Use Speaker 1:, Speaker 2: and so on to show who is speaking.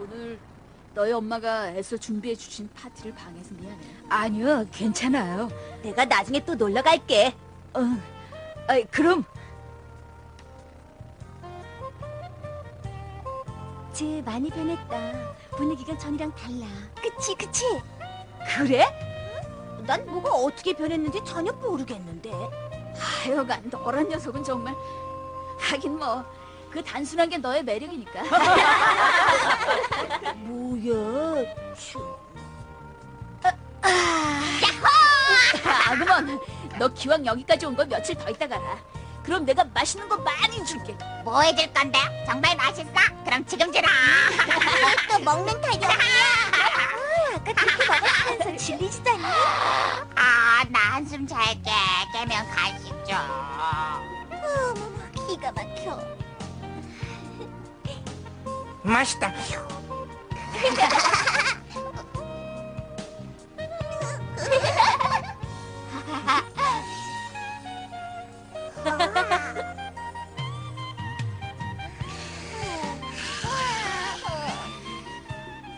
Speaker 1: 오늘 너희 엄마가 애써 준비해 주신 파티를 방해해서 미안해.
Speaker 2: 아니요, 괜찮아요.
Speaker 3: 내가 나중에 또 놀러 갈게.
Speaker 2: 그럼
Speaker 3: 쟤 많이 변했다. 분위기가 전이랑 달라. 그치?
Speaker 2: 그래?
Speaker 3: 난 뭐가 어떻게 변했는지 전혀 모르겠는데.
Speaker 1: 하여간 너란 녀석은 정말. 하긴 뭐 그 단순한 게 너의 매력이니까.
Speaker 3: 뭐야?
Speaker 1: 아그먼, 너 기왕 여기까지 온 거 며칠 더 있다 가라. 그럼 내가 맛있는 거 많이 줄게.
Speaker 3: 뭐 해줄 건데? 정말 맛있어? 그럼 지금 주라. 또 먹는 타이야. 아까 그렇게 먹었으면서 질리지다니. 나 한숨 잘게. 깨면 간식 줘. 어머머, 기가 막혀.
Speaker 4: 맛있다.